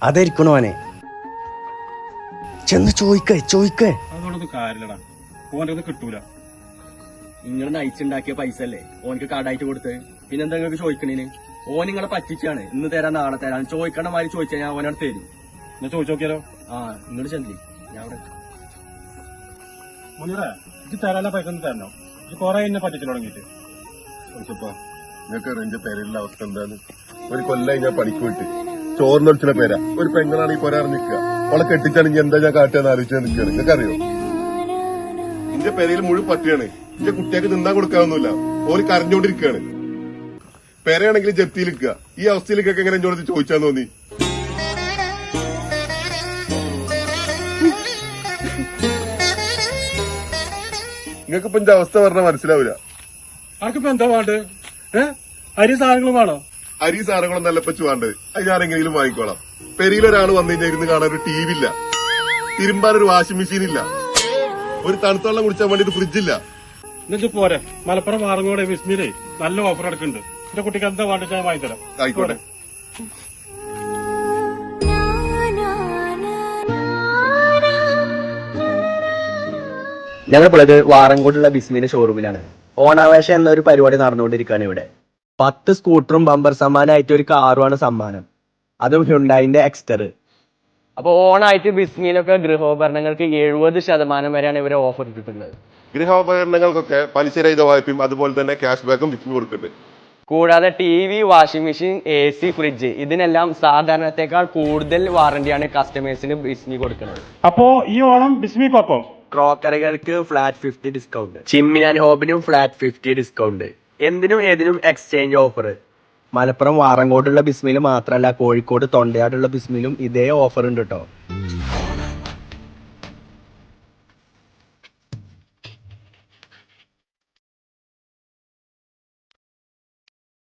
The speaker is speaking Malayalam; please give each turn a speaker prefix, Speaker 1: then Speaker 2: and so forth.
Speaker 1: അതായിരിക്കണോ അവനെ? ചെന്ന് ചോദിക്കേ.
Speaker 2: അതോടൊന്നും കാര്യമില്ലടാ, ഓൻ്റെ കിട്ടൂല. നിങ്ങൾ നയിച്ചുണ്ടാക്കിയ പൈസ അല്ലേ ഓനക്ക് കടായിട്ട് കൊടുത്ത്, പിന്നെന്താ നിങ്ങൾക്ക് ചോദിക്കണേന്? ഓൻ നിങ്ങളെ പറ്റിച്ചാണ്. ഇന്ന് തരാൻ നാളെ തരാൻ ചോദിക്കണ മാതിരി ചോദിച്ചാൽ ഞാൻ ഓനോട് തരും. ഞാൻ ചോദിച്ചു നോക്കിയാലോ? ആ ഇങ്ങോട്ട് ചെല്ലി, ഞാൻ അവിടെ മുനിറേ, ഇത് തരാനുള്ള പൈസ ഒന്നും തരണോ? ഇത് കൊറേ എന്നെ പറ്റിച്ചു തുടങ്ങിയിട്ട്.
Speaker 3: നിങ്ങൾക്ക് എന്റെ പേരിലുള്ള അവസ്ഥ എന്താണ്? ഒരു കൊല്ലായി ഞാൻ പണിക്ക് വിട്ട് ചോറിനൊളിച്ചിന പേരാ. ഒരു പെങ്ങളാണ് ഈ പോരാ നിൽക്കുക. അവളെ കെട്ടിച്ചാണെങ്കിൽ എന്താ ഞാൻ കാട്ടാന്ന് ആലോചിച്ചാൽ നിൽക്കുകയാണ്. നിങ്ങൾക്കറിയോ എന്റെ പേരയിൽ മുഴുവൻ പട്ടിയാണ്. എന്റെ കുട്ടിയൊക്കെ നിന്നാ കൊടുക്കാനൊന്നുമില്ല. ഓര് കരഞ്ഞോണ്ടിരിക്കുകയാണ്. പേരയാണെങ്കിൽ ജപ്തിയിൽ നിൽക്കുക. ഈ അവസ്ഥയിലേക്കൊക്കെ എങ്ങനെ എന്നോട് ചോദിച്ചാന്ന് തോന്നി? നിങ്ങൾക്കിപ്പോ എന്റെ അവസ്ഥ പറഞ്ഞാൽ മനസ്സിലാവില്ല.
Speaker 2: ആർക്കിപ്പോ എന്താ വേണ്ടത്? അരി സാധനങ്ങളും വേണോ?
Speaker 3: അരി സാധനങ്ങളും നല്ല പച്ചു വേണ്ടത്. അത് ഞാൻ എങ്ങനെയും വാങ്ങിക്കോളാം. പെരിയിലൊരാൾ വന്നു കഴിഞ്ഞാൽ ഇരുന്ന് കാണാൻ ഒരു ടി വി ഇല്ല, തിരുമ്പാൻ ഒരു വാഷിംഗ് മെഷീൻ ഇല്ല, ഒരു തണുത്ത വെള്ളം കുടിച്ചാൻ വേണ്ടിട്ട് ഫ്രിഡ്ജില്ല.
Speaker 2: എന്നിട്ട് പോരെ, മലപ്പുറം വാറങ്ങോട് വിസ്മിയിലേ നല്ല ഓഫർ എടുക്കുന്നുണ്ട്. എന്റെ കുട്ടിക്ക് എന്താ വേണ്ടത് ഞാൻ വാങ്ങിത്തരാം.
Speaker 3: ആയിക്കോട്ടെ.
Speaker 1: ഞങ്ങളിപ്പോഴത് വാറങ്കോട്ടുള്ള ബിസ്മിന്റെ ഷോറൂമിലാണ്. ഓണാവേശം എന്നൊരു പരിപാടി നടന്നുകൊണ്ടിരിക്കുകയാണ് ഇവിടെ. 10 സ്കൂട്ടറും ബമ്പർ സമ്മാനമായിട്ട് ഒരു കാറുമാണ് സമ്മാനം, അതും ഹ്യുണ്ടായിന്റെ എക്സ്റ്റർ. അപ്പൊ ഓണായിട്ട് ബിസ്മിയിലൊക്കെ ഗൃഹോപകരണങ്ങൾക്ക് 70% വരെയാണ് ഇവരെ ഓഫർ ഇട്ടിട്ടുള്ളത്.
Speaker 3: ഗൃഹോപകരണങ്ങൾക്കൊക്കെ പലിശരഹിത വായ്പയും അതുപോലെ തന്നെ ക്യാഷ് ബാക്കും വിറ്റ് കൊടുക്കുന്നുണ്ട്.
Speaker 1: കൂടാതെ TV, washing machine, AC, fridge ഇതിനെല്ലാം സാധാരണത്തെക്കാൾ കൂടുതൽ വാറന്റിയാണ് കസ്റ്റമേഴ്സിന് ബിസ്മി കൊടുക്കുന്നത്.
Speaker 2: അപ്പോ ഈ ഓണം ബിസ്മിക്കൊപ്പം
Speaker 1: ക്രോക്കറികൾക്ക് ഫ്ലാറ്റ് 50 ഡിസ്കൗണ്ട്, ചിമ്മിനി ആൻഡ് ഹോബിനും ഫ്ലാറ്റ് 50 ഡിസ്കൗണ്ട്, എന്തിനും ഏതിനും എക്സ്ചേഞ്ച് ഓഫർ. മലപ്പുറം വാറങ്കോട്ടുള്ള ബിസ്മിയിൽ മാത്രമല്ല, കോഴിക്കോട് തൊണ്ടയാടുള്ള ബിസ്മിയിലും ഇതേ ഓഫർ ഉണ്ട് കേട്ടോ.